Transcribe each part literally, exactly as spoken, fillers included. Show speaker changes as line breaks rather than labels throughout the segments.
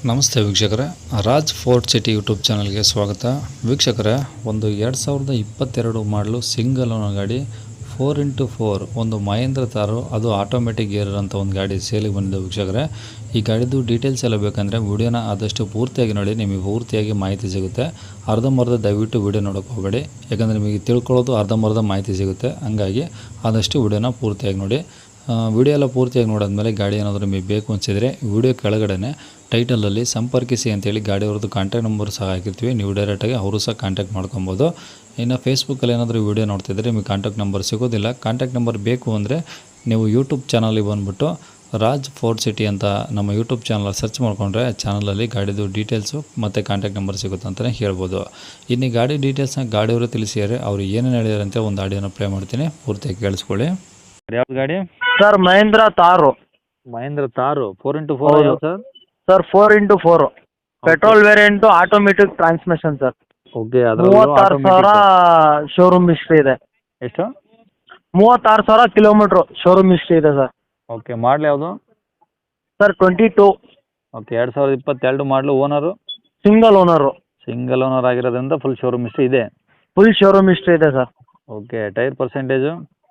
ನಮಸ್ತೆ ವೀಕ್ಷಕರೇ, Raj fort city YouTube ಚಾನಲ್ಗೆ ಸ್ವಾಗತ. ವೀಕ್ಷಕರೇ, ಒಂದು ಎರಡು ಸಾವಿರದ ಇಪ್ಪತ್ತೆರಡು ಮಾಡಲು ಸಿಂಗಲ್ ಓನರ್ ಗಾಡಿ ಫೋರ್ ಇಂಟು ಫೋರ್ ಒಂದು ಮಹೇಂದ್ರ ತಾರು, ಅದು ಆಟೋಮೆಟಿಕ್ ಗೇರ್ ಅಂತ ಒಂದು ಗಾಡಿ ಸೇಲಿಗೆ ಬಂದಿದೆ. ವೀಕ್ಷಕರೇ, ಈ ಗಾಡಿದು ಡೀಟೇಲ್ಸ್ ಎಲ್ಲ ಬೇಕಂದರೆ ವಿಡಿಯೋನ ಆದಷ್ಟು ಪೂರ್ತಿಯಾಗಿ ನೋಡಿ, ನಿಮಗೆ ಪೂರ್ತಿಯಾಗಿ ಮಾಹಿತಿ ಸಿಗುತ್ತೆ. ಅರ್ಧಂಬರ್ಧ ದಯವಿಟ್ಟು ವಿಡಿಯೋ ನೋಡೋಕೆ ಹೋಗಬೇಡಿ, ಯಾಕಂದರೆ ನಿಮಗೆ ತಿಳ್ಕೊಳ್ಳೋದು ಅರ್ಧಂಬರ್ಧ ಮಾಹಿತಿ ಸಿಗುತ್ತೆ. ಹಂಗಾಗಿ ಆದಷ್ಟು ವಿಡಿಯೋನ ಪೂರ್ತಿಯಾಗಿ ನೋಡಿ. ವಿಡಿಯೋ ಎಲ್ಲ ಪೂರ್ತಿಯಾಗಿ ನೋಡಿದ್ಮೇಲೆ ಗಾಡಿ ಏನಾದರೂ ನಿಮಗೆ ಬೇಕು ಅನಿಸಿದರೆ ವಿಡಿಯೋ ಕೆಳಗಡೆ ಟೈಟಲಲ್ಲಿ ಸಂಪರ್ಕಿಸಿ ಅಂತೇಳಿ ಗಾಡಿಯವ್ರದ್ದು ಕಾಂಟ್ಯಾಕ್ಟ್ ನಂಬರ್ ಸಹ ಹಾಕಿರ್ತೀವಿ. ನೀವು ಡೈರೆಕ್ಟಾಗಿ ಅವರು ಸಹ ಕಾಂಟ್ಯಾಕ್ಟ್ ಮಾಡ್ಕೊಬೋದು. ಇನ್ನು ಫೇಸ್ಬುಕ್ಕಲ್ಲಿ ಏನಾದರೂ ವಿಡಿಯೋ ನೋಡ್ತಿದ್ರೆ ನಿಮಗೆ ಕಾಂಟ್ಯಾಕ್ಟ್ ನಂಬರ್ ಸಿಗೋದಿಲ್ಲ. ಕಾಂಟ್ಯಾಕ್ಟ್ ನಂಬರ್ ಬೇಕು ಅಂದರೆ ನೀವು ಯೂಟ್ಯೂಬ್ ಚಾನಲಿಗೆ ಬಂದುಬಿಟ್ಟು ರಾಜ್ ಫೋರ್ಟ್ ಸಿಟಿ ಅಂತ ನಮ್ಮ ಯೂಟ್ಯೂಬ್ ಚಾನಲ್ ಸರ್ಚ್ ಮಾಡಿಕೊಂಡ್ರೆ ಚಾನಲಲ್ಲಿ ಗಾಡಿದು ಡೀಟೇಲ್ಸು ಮತ್ತು ಕಾಂಟ್ಯಾಕ್ಟ್ ನಂಬರ್ ಸಿಗುತ್ತೆ ಅಂತಲೇ ಹೇಳ್ಬೋದು. ಇನ್ನು ಗಾಡಿ ಡೀಟೇಲ್ಸ್ನ ಗಾಡಿಯವರು ತಿಳಿಸಿದರೆ ಅವರು ಏನೇನು ಹೇಳಿದಾರೆ ಅಂತ ಒಂದು ಆಡಿಯೋನ ಪ್ಲೇ ಮಾಡ್ತೀನಿ, ಪೂರ್ತಿಯಾಗಿ ಕೇಳಿಸ್ಕೊಳ್ಳಿ.
ಯಾವ್ದು ಗಾಡಿ?
Sir Mahindra Thar.
Mahindra Thar four into four
ಹೌದು.
Sir.
Sir four into four petrol variant automatic transmission sir.
Okay,
ಮೂವತ್ತಾರು ಸಾವಿರ ಶೋರೂಮ್ ಹಿಸ್ಟ್ರಿ ಇದೆ.
ಎಷ್ಟು?
ಮೂವತ್ತಾರು ಸಾವಿರ ಕಿಲೋಮೀಟ್ರು ಶೋರೂಮ್ ಹಿಸ್ಟ್ರಿ ಇದೆ ಸರ್.
ಓಕೆ, ಮಾಡಲ್ ಯಾವುದು?
ಸರ್ ಟ್ವೆಂಟಿ ಟೂ
ಓಕೆ, ಎರಡು ಸಾವಿರದ ಇಪ್ಪತ್ತೆರಡು model. Owner
single owner.
Single owner ಆಗಿರೋದ್ರಿಂದ ಫುಲ್ ಶೋರೂಮ್ ಹಿಸ್ಟ್ರಿ ಇದೆ.
ಫುಲ್ ಶೋರೂಮ್ ಹಿಸ್ಟ್ರಿ ಇದೆ sir.
Okay, tyre percentage?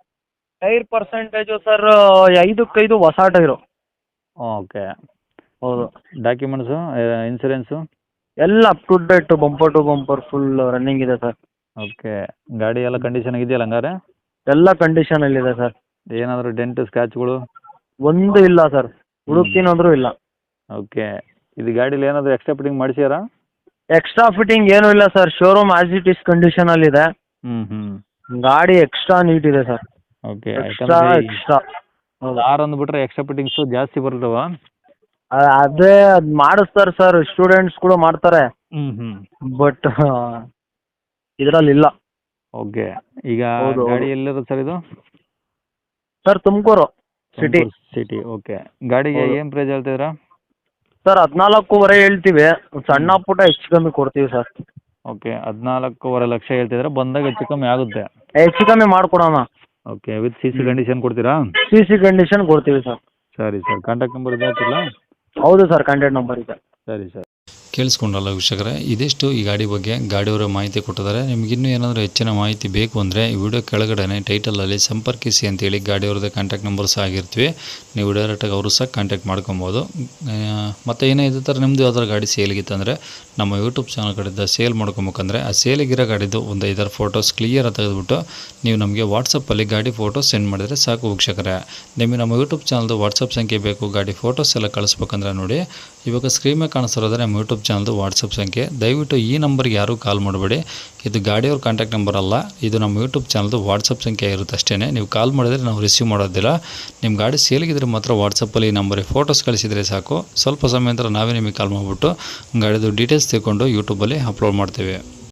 Tyre percentage sir ಐದಕ್ಕೈದು ಹೊಸ ಟೈರು.
ಓಕೆ.
ಹೌದು.
ಡಾಕ್ಯುಮೆಂಟ್ಸು, ಇನ್ಸೂರೆನ್ಸು
ಎಲ್ಲ up to date, bumper to bumper full running ಇದೆ sir.
Okay, ಗಾಡಿ ಎಲ್ಲ condition ಇದೆಯಲ್ಲ ಹಂಗಾರೆ?
ಎಲ್ಲ ಕಂಡೀಷನಲ್ಲಿದೆ ಸರ್.
ಏನಾದರೂ ಡೆಂಟ್ ಸ್ಕ್ರಾಚ್ಗಳು?
ಒಂದು ಇಲ್ಲ ಸರ್, ಹುಡುಕ್ತೀನಿ ಅಂದರೂ ಇಲ್ಲ.
ಓಕೆ, ಇದು ಗಾಡೀಲಿ ಏನಾದರೂ ಎಕ್ಸ್ಟ್ರಾ ಫಿಟ್ಟಿಂಗ್ ಮಾಡಿಸ್ಯಾರಾ?
ಎಕ್ಸ್ಟ್ರಾ ಫಿಟ್ಟಿಂಗ್ ಏನೂ ಇಲ್ಲ sir, showroom as it is ಕಂಡೀಷನಲ್ಲಿದೆ.
ಹ್ಞೂ ಹ್ಞೂ
ಗಾಡಿ ಎಕ್ಸ್ಟ್ರಾ ನೀಟ್ ಇದೆ ಸರ್.
ಓಕೆ,
ಎಕ್ಸ್ಟ್ರಾ ಎಕ್ಸ್ಟ್ರಾ ಹೌದು.
ಕಾರ್ ಅಂದ್ಬಿಟ್ರೆ ಎಕ್ಸ್ಟ್ರಾ ಫಿಟ್ಟಿಂಗ್ಸು ಜಾಸ್ತಿ ಬರ್ತವ?
ಅ- ಅದೇ ಅದು ಮಾಡಿಸ್ತಾರೆ ಸರ್, ಸ್ಟೂಡೆಂಟ್ಸ್ ಕೂಡ ಮಾಡ್ತಾರೆ.
ಹ್ಞೂ ಹ್ಞೂ
ಬಟ್ ಇದರಲ್ಲಿ ಇಲ್ಲ.
ಓಕೆ, ಈಗ
ಹೌದು, ಹೌದು.
ಗಾಡಿ ಎಲ್ಲಿರೋದು ಸರ್ ಇದು?
Sir Tumakuru city.
City. Okay, ಗಾಡಿಗೆ
ಹೌದು.
ಏನು ಪ್ರೈಸ್ ಹೇಳ್ತಿದ್ದೀರಾ?
ಸರ್ ಹದಿನಾಲ್ಕೂವರೆ ಹೇಳ್ತೀವಿ, ಸಣ್ಣ ಪುಟ್ಟ ಹೆಚ್ಚು ಕಮ್ಮಿ ಕೊಡ್ತೀವಿ ಸರ್.
ಓಕೆ, ಹದಿನಾಲ್ಕೂವರೆ ಲಕ್ಷ ಹೇಳ್ತಿದ್ರೆ ಬಂದಾಗ ಹೆಚ್ಚು ಕಮ್ಮಿ ಆಗುತ್ತೆ.
ಹೆಚ್ಚು ಕಮ್ಮಿ ಮಾಡಿಕೊಡೋಣ.
Okay, with C C condition ಕೊಡ್ತೀರಾ?
ಸಿ ಸಿ ಕಂಡೀಷನ್ ಕೊಡ್ತೀವಿ ಸರ್.
ಸರಿ ಸರ್, ಕಾಂಟ್ಯಾಕ್ಟ್ ನಂಬರ್ ಇದೆ ಹಾಕಿಲ್ಲ?
ಹೌದು ಸರ್, ಕಾಂಟ್ಯಾಕ್ಟ್ ನಂಬರ್ ಇದೆ.
ಸರಿ ಸರ್.
ಕೇಳಿಸ್ಕೊಂಡಲ್ಲ ವೀಕ್ಷಕರೇ, ಇದಿಷ್ಟು ಈ ಗಾಡಿ ಬಗ್ಗೆ ಗಾಡಿಯವರ ಮಾಹಿತಿ ಕೊಟ್ಟಿದ್ದಾರೆ. ನಿಮಗಿನ್ನೂ ಏನಾದರೂ ಹೆಚ್ಚಿನ ಮಾಹಿತಿ ಬೇಕು ಅಂದರೆ ಈ ವಿಡಿಯೋ ಕೆಳಗಡೆ ಟೈಟಲಲ್ಲಿ ಸಂಪರ್ಕಿಸಿ ಅಂತೇಳಿ ಗಾಡಿಯವ್ರದ್ದು ಕಾಂಟ್ಯಾಕ್ಟ್ ನಂಬರ್ ಸಹ ಆಗಿರ್ತೀವಿ. ನೀವು ಡೈರೆಕ್ಟಾಗಿ ಅವರು ಸಹ ಕಾಂಟ್ಯಾಕ್ಟ್ ಮಾಡ್ಕೊಬೋದು. ಮತ್ತು ಏನೇ ಇದೇ ಥರ ನಿಮ್ಮದು ಯಾವ್ದಾರು ಗಾಡಿ ಸೇಲಿಗಿತ್ತಂದರೆ ನಮ್ಮ ಯೂಟ್ಯೂಬ್ ಚಾನಲ್ ಕಡೆಯಿಂದ ಸೇಲ್ ಮಾಡ್ಕೊಬೇಕಂದ್ರೆ ಆ ಸೇಲಿಗಿರೋ ಗಾಡಿದು ಒಂದು ಐದಾರು ಫೋಟೋಸ್ ಕ್ಲಿಯರ್ ತೆಗೆದುಬಿಟ್ಟು ನೀವು ನಮಗೆ ವಾಟ್ಸಪ್ಪಲ್ಲಿ ಗಾಡಿ ಫೋಟೋಸ್ ಸೆಂಡ್ ಮಾಡಿದರೆ ಸಾಕು ವೀಕ್ಷಕರೇ. ನಿಮಗೆ ನಮ್ಮ ಯೂಟ್ಯೂಬ್ ಚಾನಲ್ದು ವಾಟ್ಸಪ್ ಸಂಖ್ಯೆ ಬೇಕು, ಗಾಡಿ ಫೋಟೋಸ್ ಎಲ್ಲ ಕಳಿಸ್ಬೇಕಂದ್ರೆ ನೋಡಿ, ಇವಾಗ ಸ್ಕ್ರೀನ್ ಮೇಲೆ ಕಾಣಿಸ್ತಿರೋದ್ರೆ ನಮ್ಮ ಯೂಟ್ಯೂಬ್ ಚಾನಲ್ದು ವಾಟ್ಸಪ್ ಸಂಖ್ಯೆ. ದಯವಿಟ್ಟು ಈ ನಂಬರ್ಗೆ ಯಾರೂ ಕಾಲ್ ಮಾಡಬೇಡಿ, ಇದು ಗಾಡಿಯವ್ರ ಕಾಂಟ್ಯಾಕ್ಟ್ ನಂಬರ್ ಅಲ್ಲ, ಇದು ನಮ್ಮ ಯೂಟ್ಯೂಬ್ ಚಾನಲ್ದು ವಾಟ್ಸಪ್ ಸಂಖ್ಯೆ ಇರುತ್ತೆ ಅಷ್ಟೇ. ನೀವು ಕಾಲ್ ಮಾಡಿದರೆ ನಾವು ರಿಸೀವ್ ಮಾಡೋದಿಲ್ಲ. ನಿಮ್ಮ ಗಾಡಿ ಸೇಲಿಗಿದ್ರೆ ಮಾತ್ರ ವಾಟ್ಸಪ್ಪಲ್ಲಿ ಈ ನಂಬರಿಗೆ ಫೋಟೋಸ್ ಕಳಿಸಿದರೆ ಸಾಕು. ಸ್ವಲ್ಪ ಸಮಯ ನಂತರ ನಾವೇ ನಿಮಗೆ ಕಾಲ್ ಮಾಡಿಬಿಟ್ಟು ಗಾಡಿದು ಡೀಟೇಲ್ಸ್ ತಿಳ್ಕೊಂಡು ಯೂಟ್ಯೂಬಲ್ಲಿ ಅಪ್ಲೋಡ್ ಮಾಡ್ತೀವಿ.